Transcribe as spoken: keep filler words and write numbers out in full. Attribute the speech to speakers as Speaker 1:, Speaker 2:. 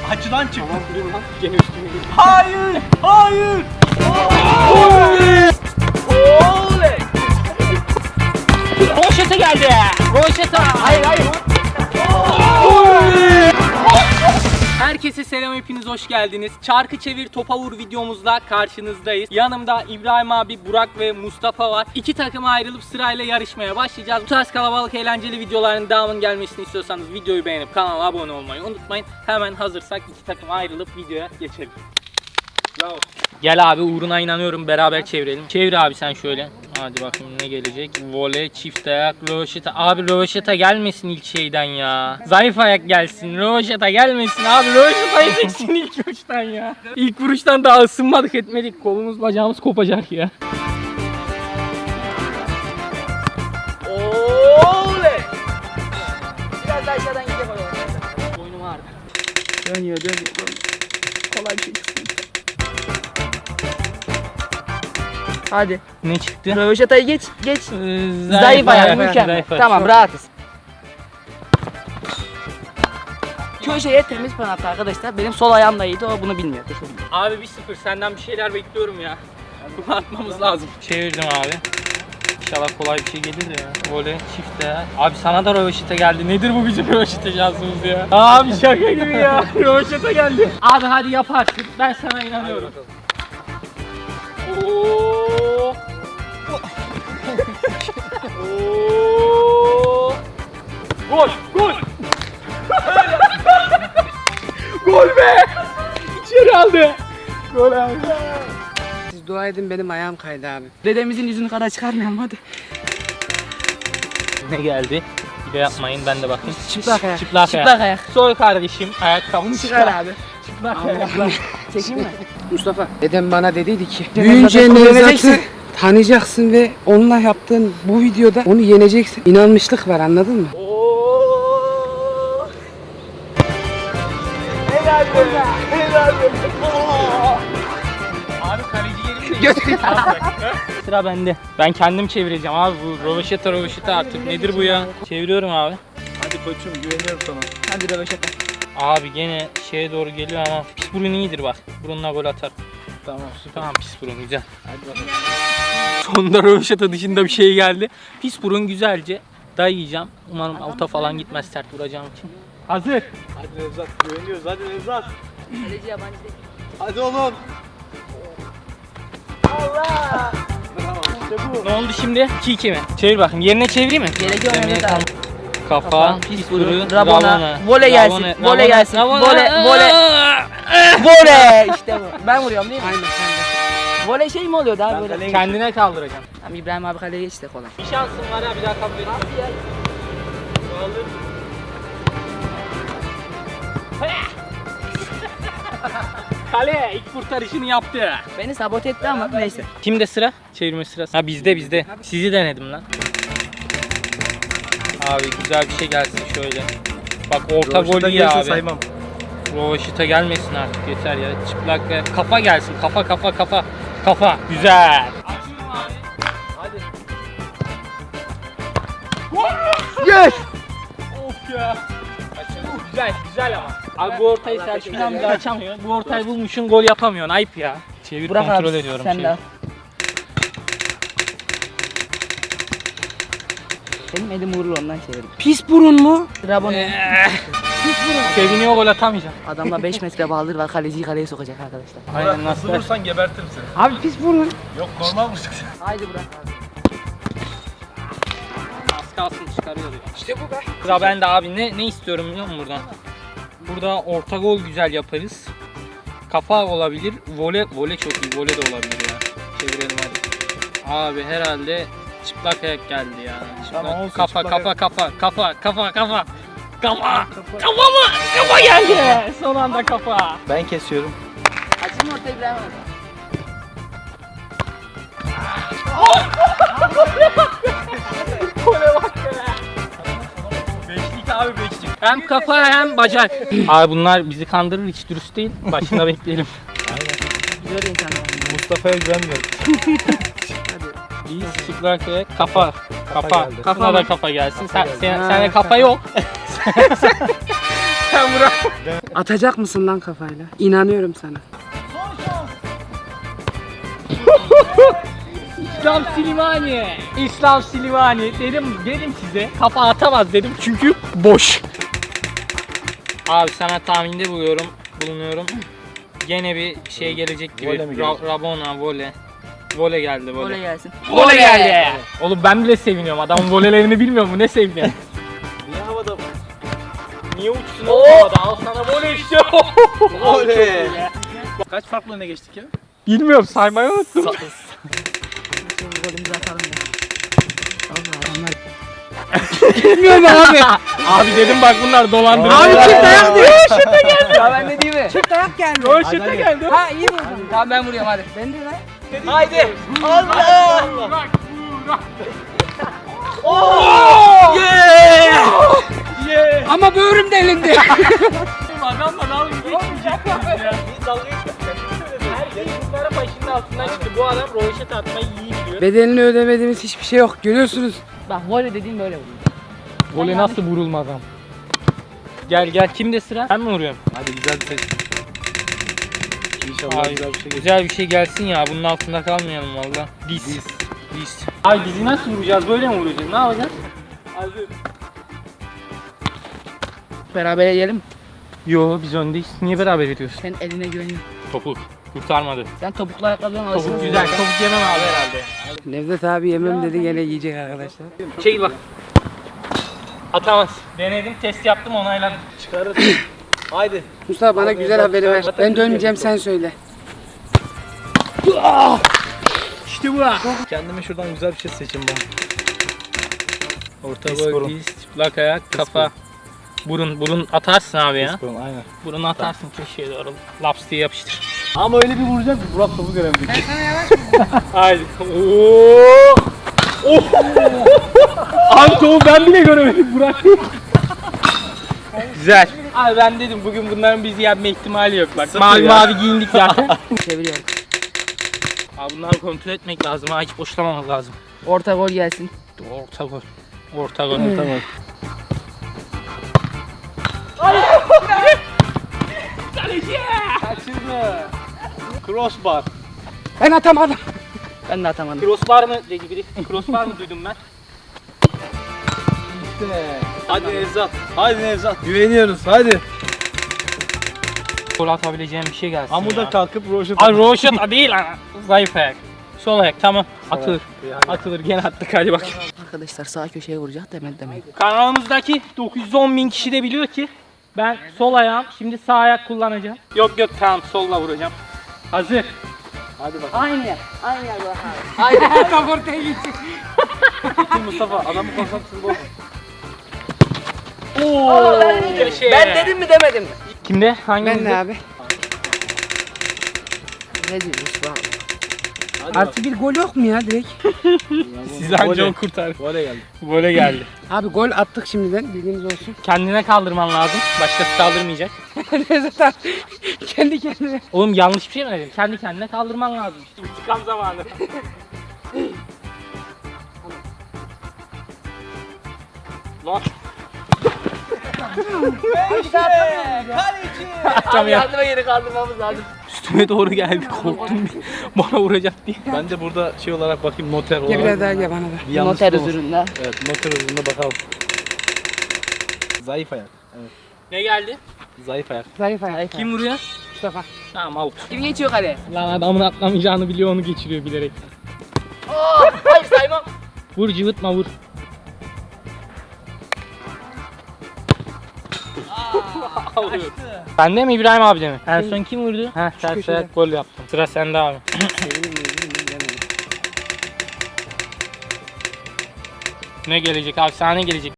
Speaker 1: Açıdan çıktı.
Speaker 2: Tamam dur lan. Gene üstüme geliyor.
Speaker 1: Hayır! Hayır!
Speaker 2: Oley! Oley! Roşete geldi. Roşete. Hayır hayır. Herkese selam, hepiniz hoş geldiniz. Çarkı çevir topa vur videomuzla karşınızdayız. Yanımda İbrahim abi, Burak ve Mustafa var. İki takıma ayrılıp sırayla yarışmaya başlayacağız. Bu tarz kalabalık eğlenceli videoların devamının gelmesini istiyorsanız videoyu beğenip kanala abone olmayı unutmayın. Hemen hazırsak iki takıma ayrılıp videoya geçelim.
Speaker 1: Bravo.
Speaker 2: Gel abi, uğruna inanıyorum, beraber çevirelim. Çevir abi sen şöyle. Hadi bakayım ne gelecek. Voley, çift ayak, röveşata. Abi röveşata gelmesin ilk şeyden ya. Zayıf ayak gelsin. Röveşata gelmesin abi. Röveşata yiyeceksin ilk vuruştan ya. İlk vuruştan daha ısınmadık etmedik. Kolumuz bacağımız kopacak ya. Oley! Biraz daha aşağıdan gidecek o. Boynum ağrıdı. Dönüyor dönüyor. Kolay bir şey çıksın.
Speaker 3: Hadi.
Speaker 2: Ne çıktı?
Speaker 3: Röveşatayı geç, geç.
Speaker 2: Ee,
Speaker 3: Zayıf ayak, mükemmel. Tamam,
Speaker 2: Çok-
Speaker 3: rahatız. Köşeye temiz penaltı arkadaşlar. Benim sol ayağım da iyiydi, o bunu bilmiyor.
Speaker 2: Abi bir sıfır, senden bir şeyler bekliyorum ya. Bunu atmamız lazım. Çevirdim abi. İnşallah kolay bir şey gelir de ya. Voley, çift ayak. Abi sana da röveşata geldi. Nedir bu bizim röveşata şansımız ya? Abi şaka gibi ya. Röveşata geldi. Abi hadi yaparsın. Ben sana inanıyorum. Oo. Oo. Gol, gol. Gol be! İçeri aldı. Gol abi.
Speaker 3: Siz dua edin, benim ayağım kaydı abi. Dedemizin yüzünü kara çıkarmayalım hadi.
Speaker 2: Ne geldi? Bir de yapmayın, ben de bakayım.
Speaker 3: Çıplak ayak.
Speaker 2: Çıplak,
Speaker 3: Çıplak
Speaker 2: ayak.
Speaker 3: ayak.
Speaker 2: Soy kardeşim, ayakkabını
Speaker 3: Çıkar abi.
Speaker 2: Çıplak
Speaker 3: Allah
Speaker 2: ayak.
Speaker 3: Allah. Çekeyim mi? Mustafa.
Speaker 4: Dedem bana dediydi ki
Speaker 3: Büyüyünce
Speaker 4: büyüyünce Nevzat'ı
Speaker 3: yeneceksin.
Speaker 4: tanıyacaksın ve onunla yaptığın bu videoda onu yeneceksin. İnanmışlık var, anladın mı?
Speaker 2: Oo. Helal be. Helal be. Oo. Abi kaleci yerinde. Sıra bende. Ben kendim çevireceğim abi, bu röveşata röveşata artık nedir bu ya? Çeviriyorum abi.
Speaker 1: Hadi koçum, güveniyorum sana.
Speaker 3: Hadi röveşata.
Speaker 2: Abi gene şeye doğru geliyor ama pis burun iyidir bak. Burunla gol atar.
Speaker 1: Tamam, süper.
Speaker 2: Tamam, pis burun güzel.
Speaker 1: Hadi bakalım.
Speaker 2: Sonunda röveşata dışında bir şey geldi. Pis burun güzelce dayayacağım. Umarım avuta falan gitmez sert vuracağım için. Hazır.
Speaker 1: Hadi Nevzat, güveniyoruz. Hadi Nevzat.
Speaker 3: Kaleci yabancı değil.
Speaker 1: Hadi oğlum.
Speaker 3: Allah!
Speaker 1: Bravo. İşte bu.
Speaker 2: Ne oldu şimdi? iki iki mi? Çevir bakayım. Yerine çevireyim mi?
Speaker 3: Gerek yok
Speaker 2: Demeye
Speaker 3: Mehmet abi.
Speaker 2: tam- Kafa,
Speaker 3: Kafa,
Speaker 2: pis
Speaker 3: pis
Speaker 2: burun,
Speaker 3: burun, Rabona, voley gelsin,
Speaker 2: Rabona,
Speaker 3: voley
Speaker 2: Rabona,
Speaker 3: gelsin,
Speaker 2: Rabona.
Speaker 3: voley, voley. Voley! İşte bu. Ben vuruyorum değil mi?
Speaker 4: Aynen sen de.
Speaker 3: Voley şey mi oluyordu abi
Speaker 1: Ben
Speaker 3: böyle?
Speaker 1: kaleye-
Speaker 2: Kendine kaldıracağım.
Speaker 3: Tamam, İbrahim abi kaleye geçti kolay.
Speaker 2: Bir şansın var ha, bir daha kabul et.
Speaker 3: Nasıl ya?
Speaker 2: Kale ilk kurtarışını yaptı.
Speaker 3: Beni sabote etti ama neyse.
Speaker 2: Kimde sıra? Çevirme sırası. Ha bizde bizde. Sizi denedim lan. Abi güzel bir şey gelsin şöyle. Bak orta gol
Speaker 1: Röveşata
Speaker 2: iyi
Speaker 1: gelirse
Speaker 2: abi.
Speaker 1: saymam.
Speaker 2: Rovaşita gelmesin artık, yeter ya. Çıplak ve kafa gelsin. Kafa kafa kafa. Kafa. Güzel. Açıyorum abi. Hadi.
Speaker 4: Yes!
Speaker 2: Of ya. Açıyorum. Güzel güzel ama. Abi bu ortayı Selçuk amca açamıyor. Bu ortayı bulmuşsun, gol yapamıyorsun. Ayıp ya. Çevir,
Speaker 3: Burak
Speaker 2: kontrol
Speaker 3: abi,
Speaker 2: ediyorum.
Speaker 3: sen
Speaker 2: çevir.
Speaker 3: de al. Benim elim vurur, ondan çevirdim.
Speaker 4: Pis burun mu?
Speaker 3: Rabona.
Speaker 2: Eh. Seviniyor, gol atamayacak.
Speaker 3: Adamla beş metre bağlıdır var, kaleciyi kaleye sokacak arkadaşlar.
Speaker 2: Aynen, nasıl?
Speaker 1: Vurursan gebertirim seni.
Speaker 4: Abi pis burun.
Speaker 1: Yok, normal vuracak.
Speaker 3: Haydi Burak abi.
Speaker 2: Az kalsın çıkarıyor ya.
Speaker 4: İşte bu be.
Speaker 2: Sıra bende abi. Ne ne istiyorum biliyor musun buradan? Burada orta gol güzel yaparız. Kafa olabilir. Vole vole çok iyi. Vole de olabilir ya. Çevirelim hadi. Abi herhalde çıplak ayak geldi ya. Çıplak.
Speaker 1: Tamam, olsun,
Speaker 2: kafa,
Speaker 1: çıplak
Speaker 2: kafa,
Speaker 1: ayak.
Speaker 2: kafa kafa kafa kafa kafa kafa mı? Kafa geldi. Son anda kafa.
Speaker 1: Ben kesiyorum.
Speaker 3: Açın orta İbrahim abi.
Speaker 2: Gole bak be. Beşlik abi, beşlik. Hem kafa hem bacak. Abi bunlar bizi kandırır, hiç dürüst değil. Başında bekleyelim.
Speaker 3: Güzel insanlar.
Speaker 1: Mustafa'ya güvenmiyorum.
Speaker 2: Biz çıplak ayak, kafa. Kafa.
Speaker 1: geldi.
Speaker 2: Kafana da kafa gelsin. Sen,
Speaker 1: geldi.
Speaker 2: sen,
Speaker 4: Ha,
Speaker 2: sende kafa yok. sen Burak.
Speaker 4: Atacak mısın lan kafayla? İnanıyorum sana.
Speaker 2: İslam Silivani. İslam Silivani. Dedim dedim size. Kafa atamaz dedim çünkü boş. Abi sana tahminde buluyorum, bulunuyorum. Gene bir şey gelecek gibi.
Speaker 1: Vole mi
Speaker 2: Ra- Rabona, vole. Vole geldi vole.
Speaker 3: Voley gelsin.
Speaker 2: Vole geldi. Oğlum ben bile seviniyorum. Adamın volelerini bilmiyor mu? Ne seviniyor?
Speaker 1: Niye havada?
Speaker 2: Niye uçsun oğlum havada? Al sana vole işte.
Speaker 1: Oley. Kaç farklı öne geçtik ya?
Speaker 2: Bilmiyorum, saymayı unuttum.
Speaker 3: Golümüzü atalım ya.
Speaker 4: Bilmiyorum abi.
Speaker 2: Abi dedim bak bunlar dolandırıcı.
Speaker 4: Abi çift dayak diyor.
Speaker 3: Ya ben ne diyeyim mi?
Speaker 4: Çift dayak geldi.
Speaker 2: Roşete geldi.
Speaker 3: Ha iyi vurdun. Tamam ben vuruyorum hadi. Ben de lan.
Speaker 2: Haydi.
Speaker 1: Allah!
Speaker 2: Burak, Burak. Yeah!
Speaker 4: Ama böğrüm delindi.
Speaker 2: Adamla dalga geçmeyeceksiniz ya. Biz dalga geçmeyeceksiniz. Her şey bunların başının altından çıktı. Bu adam roşet atmayı iyi biliyor.
Speaker 4: Bedelini ödemediğimiz hiçbir şey yok. Görüyorsunuz.
Speaker 3: Bak voley dediğim böyle vuruyor.
Speaker 2: Voley nasıl vurulmaz ama? Gel gel, kimde sıra? Ben mi vuruyorum?
Speaker 1: Hadi güzel bir seç. İnşallah
Speaker 2: Ay,
Speaker 1: güzel bir şey geçer.
Speaker 2: güzel bir şey gelsin ya. Bunun altında kalmayalım valla. Diz. Diz. Diz. Ay dizi nasıl vuracağız? Böyle mi vuracağız? Ne yapacağız? Hazır.
Speaker 3: Beraber yiyelim.
Speaker 2: Yo, biz öndeyiz. Niye beraber ediyorsun?
Speaker 3: Sen eline güveniyorum.
Speaker 2: Topuk. Kurtarmadı.
Speaker 3: Sen topuklu ayakkabıdan alırsın.
Speaker 2: Topuk güzel. Topuk yemem abi herhalde.
Speaker 4: Nevzat abi yemem dedi gene yiyecek arkadaşlar.
Speaker 2: Çekil bak. Atamaz. Denedim, test yaptım, onayladım.
Speaker 1: Çıkarır. Haydi.
Speaker 4: Mustafa bana güzel haberi ver. Ben dönmeyeceğim sen söyle.
Speaker 2: İşte bu.
Speaker 1: Kendime şuradan güzel bir şey seçeyim ben.
Speaker 2: Orta
Speaker 1: Diz
Speaker 2: boy,
Speaker 1: burun.
Speaker 2: diz, çıplak ayak, kafa. Burun, burun atarsın abi ya.
Speaker 1: Disporum, aynen.
Speaker 2: Burunu atarsın köşeye doğru. Laps diye yapıştır.
Speaker 1: Ama öyle bir vuracak ki Burak topu göremedik.
Speaker 2: Haydi. Oo! Oh! Abi topu ben bile göremedim Burak. Güzel. Abi ben dedim bugün bunların bizi yenme ihtimali yok bak.
Speaker 1: Sıfır
Speaker 2: Mavi
Speaker 1: ya.
Speaker 2: mavi giyindik zaten.
Speaker 3: Çeviriyorum.
Speaker 2: Abi bunları kontrol etmek lazım ha, hiç boşlamamak lazım.
Speaker 3: Orta gol gelsin.
Speaker 2: Orta gol. Orta gol.
Speaker 1: Tamam.
Speaker 2: Kaçırdı.
Speaker 1: Crossbar.
Speaker 4: Ben atamadım.
Speaker 3: Ben de atamadım.
Speaker 2: Crossbar mı dedi biri? Crossbar mı duydum ben?
Speaker 1: Hadi Nevzat. Hadi Nevzat. Güveniyoruz. Hadi.
Speaker 2: Gol atabileceğim bir şey gelsin
Speaker 1: Amuda
Speaker 2: ya.
Speaker 1: kalkıp roşet.
Speaker 2: Ay roşet değil lan. Zayıf ayak. Sol ayak tamam. Atılır.
Speaker 1: Yani.
Speaker 2: Atılır gene attık hadi bak.
Speaker 3: Arkadaşlar sağ köşeye vuracak demedi demeyin.
Speaker 2: Kanalımızdaki dokuz yüz on bin kişi de biliyor ki ben sol ayağım şimdi sağ ayak kullanacağım. Yok yok tamam solla vuracağım. Hazır.
Speaker 1: Hadi bak.
Speaker 3: Aynı yer. Aynı yer Burak abi. Aynı
Speaker 4: Tam ortaya gitsin.
Speaker 1: Mustafa adamı konsantrasını bozma.
Speaker 2: Oo. Köşeye.
Speaker 3: Ben dedim mi demedim mi?
Speaker 2: Kimde? Hangi
Speaker 4: Ben de abi.
Speaker 3: Ne diyorsun bu abi?
Speaker 1: Hadi
Speaker 4: Artı bir gol yok mu ya direkt?
Speaker 2: Siz anca
Speaker 1: Voley.
Speaker 2: o kurtar.
Speaker 1: Voley geldi.
Speaker 2: Böyle geldi.
Speaker 4: Abi gol attık şimdiden bilginiz olsun.
Speaker 2: Kendine kaldırman lazım. Başkası kaldırmayacak.
Speaker 4: Nevzat abi kendi kendine.
Speaker 2: Oğlum yanlış bir şey mi dedim? Kendi kendine kaldırman lazım. İşte intikam zamanı. Lan.
Speaker 3: Abi yardıma geri kaldırmamız lazım.
Speaker 2: Üstüme doğru geldi korktum bana vuracak diye.
Speaker 1: Ben de burada şey olarak bakayım noter olarak.
Speaker 4: Gel biraz daha gel bana da.
Speaker 1: Bir yanlış
Speaker 3: Noter
Speaker 1: olmasın.
Speaker 3: huzurunda.
Speaker 1: Evet noter huzurunda bakalım. Zayıf ayak. Evet.
Speaker 2: Ne geldi?
Speaker 1: Zayıf ayak.
Speaker 4: Zayıf ayak.
Speaker 2: Kim vuruyor?
Speaker 4: Mustafa.
Speaker 2: Tamam out.
Speaker 3: Kim geçiyor kaleye?
Speaker 2: Lan adamın atlamayacağını biliyor onu geçiriyor bilerek.
Speaker 3: Oo, hayır saymam.
Speaker 2: Vur cıvıtma vur. Bende mi İbrahim abi de mi? En son kim vurdu? Heh ters
Speaker 4: köşede.
Speaker 2: ayak gol yaptım. Sıra sende abi. Ne gelecek abi? Sana ne gelecek?